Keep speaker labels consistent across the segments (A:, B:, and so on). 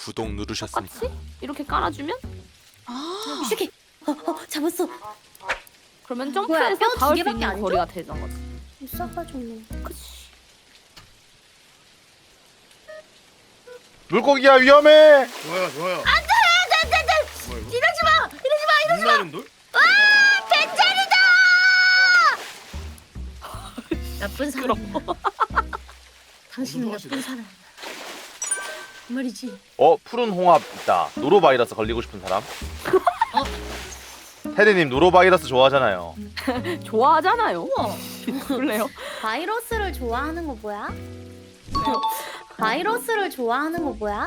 A: 구독 누르셨습니까?
B: 똑같이 이렇게 깔아주면
C: 이 새끼. 잡았어.
B: 그러면
C: 뭐야,
B: 점프해서
C: 뼈 두
B: 닿을 수
C: 개밖에
B: 있는
C: 안 줘?
B: 거리가 되는 거지.
C: 싸가지고.
B: 그치.
D: 물고기야 위험해.
E: 좋아요 좋아요.
C: 안돼.
E: 뭐야 이거?
C: 이러지 마. 이러지 마.
E: 빛나는 돌?
C: 나쁜 사람. 당신은
E: 무슨
C: 나쁜 사람. 그 말이지.
D: 푸른 홍합 있다. 노로바이러스 걸리고 싶은 사람? 테리님 노로바이러스 좋아하잖아요.
B: 좋아하잖아요.
C: 우와.
B: 그래요?
C: 바이러스를 좋아하는 거 뭐야? 바이러스를 좋아하는 거 뭐야?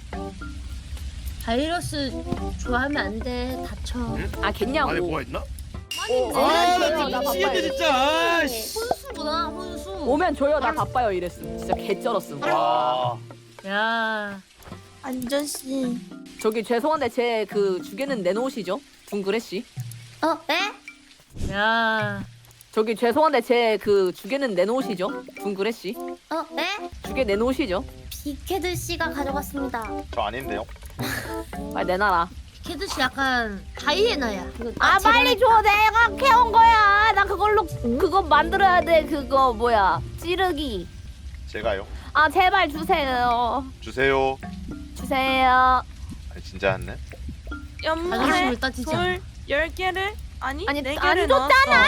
C: 바이러스 좋아하면 안 돼. 다쳐.
B: 아 겠냐고.
E: 안에 뭐가 있나?
B: 나
E: 미치겠네 진짜. 아이씨.
C: 혼수구나 혼수.
B: 오면 줘요. 나 바빠요. 이랬음. 진짜 개쩔었음.
D: 와.
C: 야.
F: 안전씨.
B: 저기 죄송한데 제 그 주게는 내놓으시죠. 둥그레 씨.
C: 네? 야.
B: 저기 죄송한데 제 그 주게는 내놓으시죠. 둥그레 씨.
C: 네?
B: 주게 내놓으시죠.
C: 비케드 씨가 가져갔습니다.
D: 저 아닌데요?
B: 빨리 내놔라.
C: 비케드 씨 약간 하이에나야.
B: 아 빨리 줘. 내가 캐온 거야. 나 그걸로 그거 만들어야 돼. 그거 뭐야 찌르기.
D: 제가요.
B: 아 제발 주세요.
D: 주세요.
B: 주세요.
D: 아니 진짜 했네.
F: 연말
C: 자존심을 따지지
F: 돌 10개를 아니
B: 아니,
F: 4개를
B: 안 줬잖아!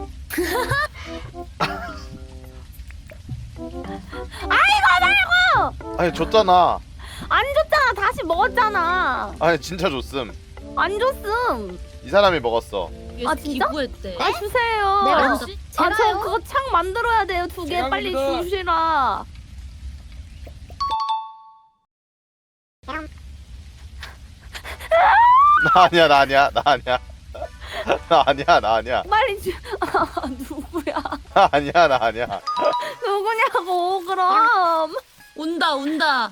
D: 아니 줬잖아.
B: 안 줬잖아. 다시 먹었잖아.
D: 아니 진짜 줬음.
B: 안 줬음.
D: 이 사람이 먹었어.
B: 아, 진짜?
C: 기부했대.
B: 아 주세요.
C: 내가
B: 아,
C: 줬지?
B: 저
C: 제가요?
B: 그거 창 만들어야 돼요. 2개
E: 제가
B: 빨리
E: 합니다.
B: 주시라.
D: 나 아니야 나 아니야 나 아니야. 나 아니야 나 아니야.
B: 빨리 주. 아, 누구야?
D: 나 아니야 나 아니야.
B: 누구냐고 그럼.
C: 온다 온다.
B: 야,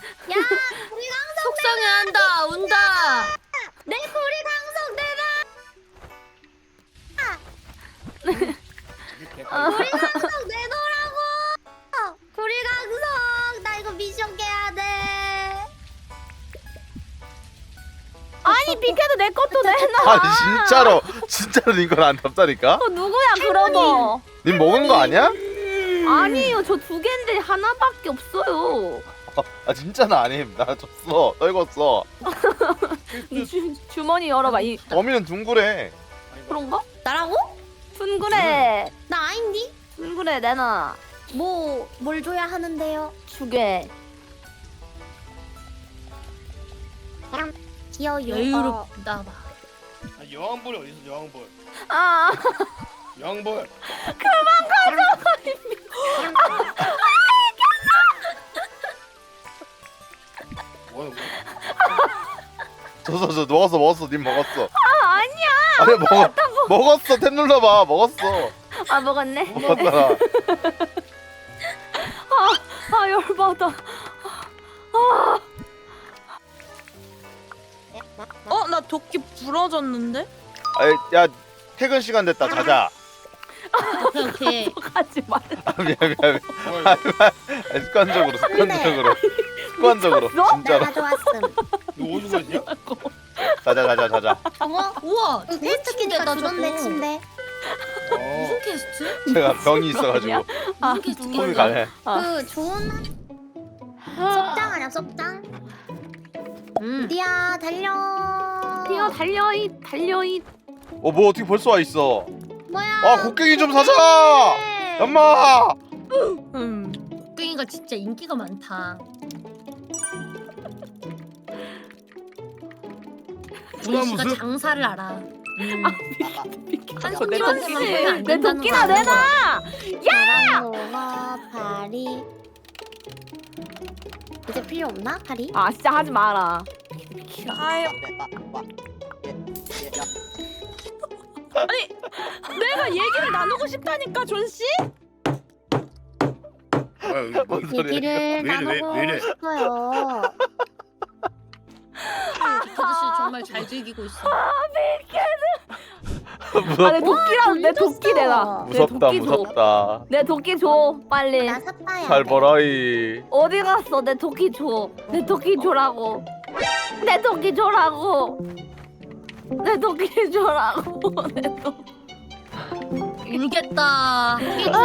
C: 속상해한다. 온다.
B: 내 고리 강석
C: 우리 강석 내놓으라고. 우리 강석 나 이거 미션 깨야 돼.
B: 아니 비켜도 내 것도 내놔.
D: 아니 진짜로 님 걸 안 답다니까?
B: 누구야 그러면?
D: 님 먹은 거 아니야?
B: 아니요 저 2개인데 하나밖에 없어요.
D: 아 진짜 나 아님. 나 줬어. 떨궜어.
B: 이 주머니 열어봐. 이
D: 범인은 둥그레.
B: 그런가?
C: 나라고?
B: 둥그레.
C: 나 아닌디?
B: 둥그레 내놔.
C: 뭘 줘야 하는데요?
B: 주게.
C: 귀여워.
F: 여유롭다 봐.
E: 아, 여왕벌이 어디 있어 여왕벌?
B: 아
E: 여왕벌. 뭐야 뭐야?
D: 줬어 먹었어. 님 먹었어.
B: 아니야.
D: 아니 먹었어. 탭 눌러봐. 먹었어.
B: 아 먹었네.
D: 먹었잖아.
B: 아 열받아.
F: 나 도끼 부러졌는데?
D: 아이, 야 퇴근 시간 됐다. 자자.
C: 오케이.
B: 하지 말.
D: 아, 미안.
E: 뭐야 이거?
D: 습관적으로. 진짜로.
C: 가져왔음.
E: 이거 어디서 있냐?
D: 자자.
C: 우와. 퀘스트 키니까 좋네 침대.
E: 어.
C: 퀘스트?
D: 제가 병이 있어가지고
B: 아,
C: 무슨 퀘스트?
D: 호흡이 가네.
C: 그 좋은 썩장 아니야 썩장? 디야 달려.
B: 뛰어 달려잇.
D: 뭐 어떻게 벌써 와 있어?
C: 뭐야?
D: 아 곡괭이 좀 사자. 엄마.
C: 곡괭이가 진짜 인기가 많다.
E: 소나무
C: 씨가
E: 숲?
C: 장사를 알아. 한
B: 내
C: 손님한테만
B: 도끼
C: 보면 안
B: 내
C: 된다는
B: 도끼나
C: 거
B: 내놔.
C: 야! 파리. 이제 필요 없나 파리?
B: 아 진짜 하지 마라.
F: 아유. 아니 내가 얘기를 나누고 싶다니까 존 씨?
E: 뭐야 이거 뭐?
D: 뭔 소리야?
C: 얘기를
E: 왜 이래,
C: 나누고
E: 왜 이래?
C: 싶어요. 아저씨 정말 잘 즐기고 있어.
B: 아 내 도끼랑 내 도끼 내놔. 내
D: 무섭다
B: 도끼 줘.
D: 무섭다.
B: 내 도끼 줘 빨리.
C: 나 샀다야.
D: 잘 벌어이.
B: 어디 갔어? 내 도끼 줘. 내 도끼 줘라고. 내 도끼 줘라고. 내 도끼 줘라고. 내 도끼.
C: 울겠다.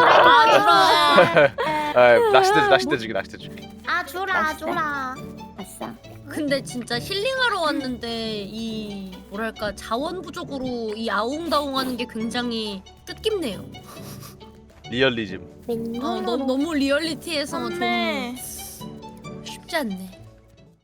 D: 낚싯대 주기.
C: 아 주라 주라.
B: 아싸.
C: 근데 진짜 힐링하러 왔는데 이 뭐랄까 자원 부족으로 이 아웅다웅하는 게 굉장히 뜻깊네요.
D: 리얼리즘.
C: 너무 리얼리티해서 좀
F: 네.
C: 쉽지 않네.